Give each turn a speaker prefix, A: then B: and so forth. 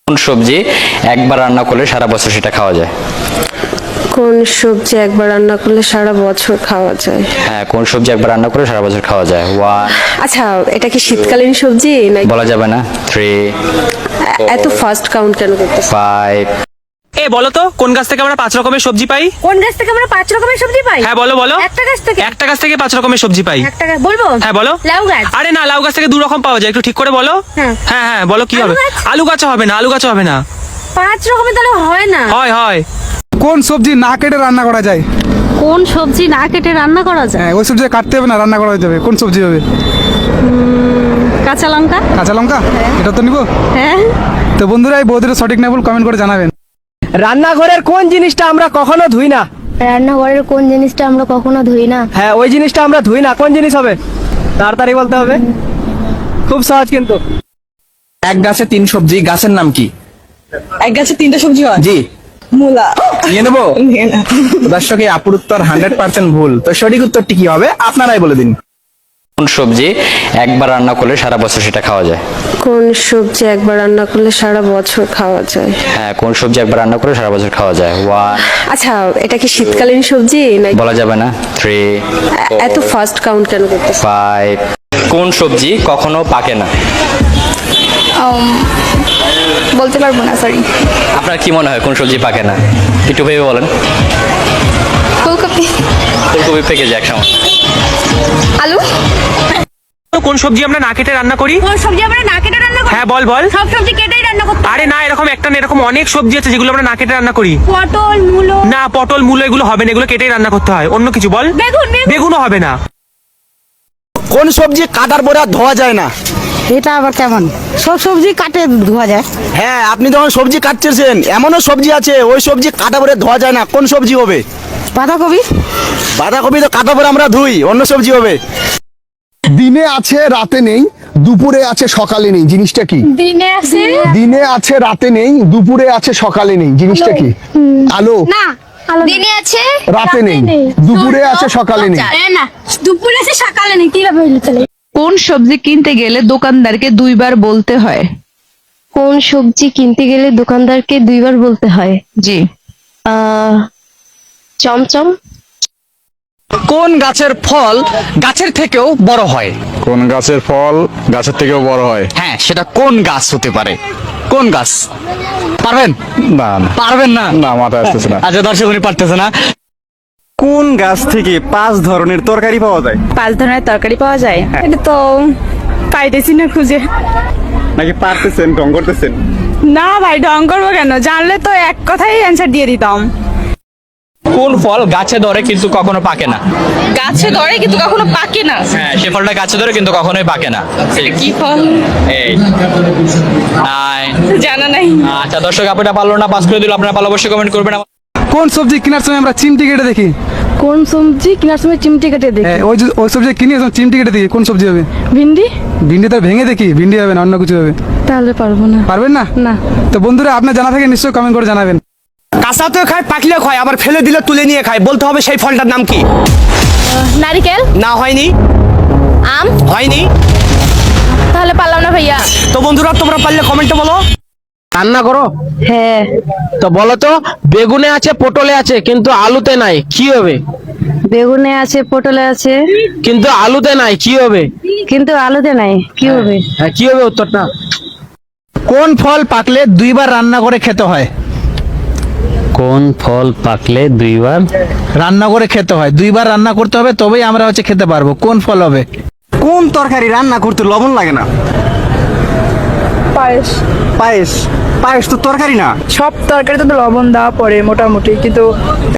A: কোন সবজি একবার রান্না করলে সারা বছর সেটা খাওয়া যায়?
B: কোন সবজি একবার রান্না করলে সারা বছর খাওয়া যায়?
A: হ্যাঁ, কোন সবজি একবার রান্না করে সারা বছর খাওয়া যায়? ওয়ান।
B: আচ্ছা, এটা কি শীতকালীন সবজি নাকি?
A: বলা যাবে না। থ্রি,
B: এত ফাস্ট কাউন্ট কেন করতেছ?
A: ফাইভ।
C: এ বলো তো কোন গাছ থেকে আমরা 5 রকমের সবজি পাই?
D: কোন গাছ থেকে আমরা 5 রকমের সবজি পাই?
C: হ্যাঁ বলো বলো।
D: একটা গাছ থেকে।
C: একটা গাছ থেকে 5 রকমের সবজি পাই।
D: একটা গাছ বলবো?
C: হ্যাঁ বলো।
D: লাউ গাছ।
C: আরে না, লাউ গাছ থেকে 2 রকম পাওয়া যায়, একটু ঠিক করে বলো।
D: হ্যাঁ।
C: হ্যাঁ হ্যাঁ বলো কি হবে?
D: আলু গাছ?
C: আলু গাছ হবে না, আলু গাছ হবে না।
D: 5 রকমের তাহলে হয় না।
C: হয় হয়।
E: কোন সবজি না কেটে রান্না করা যায়?
F: কোন সবজি না কেটে রান্না করা যায়?
E: হ্যাঁ, ওই সবজি কাটতে হবে না, রান্না করা যাবে। কোন সবজি হবে?
F: কাঁচা লঙ্কা।
E: কাঁচা লঙ্কা? এটা তো নিবো।
F: হ্যাঁ।
E: তো বন্ধুরা, এই বৌদিটা সঠিক না ভুল কমেন্ট করে জানাবেন।
G: রান্নাঘরের কোন জিনিসটা আমরা কখনো ধুই না?
H: রান্নাঘরের কোন জিনিসটা আমরা কখনো ধুই না?
G: হ্যাঁ, ওই জিনিসটা আমরা ধুই না, কোন জিনিস হবে? তাড়াতাড়ি বলতে হবে, খুব সহজ কিন্তু।
I: এক গাছে 3 সবজি, গাছের নাম কি?
J: এক গাছে 3টা সবজি হয়?
I: জি।
J: মূলা।
I: নিয়ে নেবো? দর্শক, এই আপুর উত্তর 100% ভুল। তো সঠিক উত্তরটি কি হবে আপনারাই বলে দিন।
A: কোন সবজি একবার রান্না করলে সারা বছর সেটা খাওয়া যায়?
B: কোন সবজি একবার রান্না করলে সারা বছর খাওয়া যায়?
A: হ্যাঁ, কোন সবজি একবার রান্না করে সারা বছর খাওয়া যায়? ওয়ান।
B: আচ্ছা, এটা কি শীতকালীন সবজি নাকি?
A: বলা যাবে না। থ্রি,
B: এত ফাস্ট কাউন্ট কেন করতেছ?
A: ফাইভ। কোন সবজি কখনো পাকে না?
H: বলতে পারবো না, সরি।
A: আপনার কি মনে হয় কোন সবজি পাকে না? একটু ভেবে বলেন।
H: ফুলকপি।
A: ফুলকপি পেকে যায় একসময়।
H: আলু।
C: তো কোন সবজি আমরা না কেটে রান্না করি?
D: কোন সবজি আমরা না কেটে রান্না করি?
C: হ্যাঁ বল বল।
D: সব সবজি কেটেই রান্না করতে হয়।
C: আরে না, এরকম একটা না, এরকম অনেক সবজি আছে যেগুলো আমরা না কেটে রান্না করি।
D: পটল, মূলো।
C: না, পটল মূলো এগুলো হবে না, এগুলো কেটেই রান্না করতে হয়। অন্য কিছু বল।
D: বেগুন।
C: বেগুনও হবে না।
G: কোন সবজি কাটার পরে আর ধোয়া যায় না?
J: এটা আবার কেমন? সব সবজি কাটে ধোয়া যায়।
G: হ্যাঁ, আপনি যখন সবজি কাটছেন, এমনও সবজি আছে ওই সবজি কাটা পরে ধোয়া যায় না, কোন সবজি হবে?
J: বাঁধাকপি।
G: বাঁধাকপি তো কাটা পরে আমরা ধুই, অন্য সবজি হবে।
K: দিনে আছে রাতে নেই, দুপুরে আছে সকালে নেই, জিনিসটা কি?
H: দিনে আছে।
K: দিনে আছে রাতে নেই, দুপুরে আছে সকালে নেই, জিনিসটা কি? আলো।
H: না, দিনে আছে
K: রাতে নেই, দুপুরে আছে সকালে নেই।
H: না, দুপুরে আছে সকালে নেই, কিভাবে হইলো তাহলে?
F: কোন সবজি কিনতে গেলে দোকানদারকে 2বার বলতে হয়?
B: কোন সবজি কিনতে গেলে দোকানদারকে 2বার বলতে হয়?
F: জি।
B: চমচম।
G: কোন গাছের ফল গাছের থেকেও বড় হয়?
E: কোন গাছের ফল গাছের থেকেও বড় হয়?
G: হ্যাঁ, সেটা কোন গাছ হতে পারে? কোন গাছ? পারবেন?
E: না না
G: পারবেন না?
E: না, মাথায় আসতেছে না।
G: আচ্ছা, দর্শক উনি পারতেছে না।
E: কোন গাছ থেকে 5 ধরনের তরকারি পাওয়া যায়?
J: 5 ধরনের তরকারি পাওয়া যায়? এটা তো পাইতেছি না খুঁজে।
E: নাকি পারতেছেন, ঢং করতেছেন?
J: না ভাই, ঢং করবো কেন? জানলে তো এক কথাই অ্যান্সার দিয়ে দিতাম।
C: কোন ফল গাছে ধরে কিন্তু কখনো পাকে না?
F: গাছে ধরে কিন্তু কখনো পাকে না।
A: হ্যাঁ, সে ফলটা গাছে ধরে কিন্তু কখনোই পাকে না।
F: কি ফল?
A: এই নাই।
F: জানা নাই।
A: আচ্ছা দর্শক, আপনারা পারলো না, পাস করে দিল। আপনারা পারলে অবশ্যই কমেন্ট করবেন।
E: কোন সবজি কেনার সময় আমরা চিমটি কেটে দেখি?
B: কোন সবজি কেনার সময় চিমটি কেটে দেখি?
E: হ্যাঁ, ওই সবজি কিনে চিমটি কেটে দেখি, কোন সবজি হবে?
B: ভিন্ডি।
E: ভিন্ডি তো ভেঙে দেখি, ভিন্ডি হবে না, অন্য কিছু হবে।
B: তাহলে পারবো না।
E: পারবেন না?
B: না।
E: তো বন্ধুরা, আপনার জানা থাকে নিশ্চয়ই কমেন্ট করে জানাবেন।
G: কাঁচাতেও খায়, পাকলেও খায়, আবার ফেলে দিলে তুলে নিয়ে খায়। বলতে হবে সেই ফলটার নাম কি?
H: নারকেল।
G: না, হয়নি।
H: আম।
G: হয়নি।
H: তাহলে পারলাম না ভাইয়া।
G: তো বন্ধুরা, তোমরা পারলে কমেন্টে বলো। রান্না করো?
B: হ্যাঁ।
G: তো বলো তো, বেগুনে আছে, পটলে আছে, কিন্তু আলুতে নাই, কি হবে?
B: বেগুনে আছে, পটলে আছে,
G: কিন্তু আলুতে নাই, কি হবে?
B: কিন্তু আলুতে নাই, কি হবে?
G: হ্যাঁ, কি হবে উত্তরটা?
I: কোন ফল পাকলে 2বার রান্না করে খেতে হয়?
A: কোন ফল পাকলে 2বার
I: রান্না করে খেতে হয়, 2বার রান্না করতে হবে, তবেই আমরা খেতে পারবো। কোন ফল হবে?
G: কোন তরকারি রান্না করতে লবণ লাগে না?
J: পায়েস।
G: পায়েস? পায়েস তো তরকারি না।
J: সব তরকারিতে তো লবণ দেওয়া পড়ে মোটামুটি, কিন্তু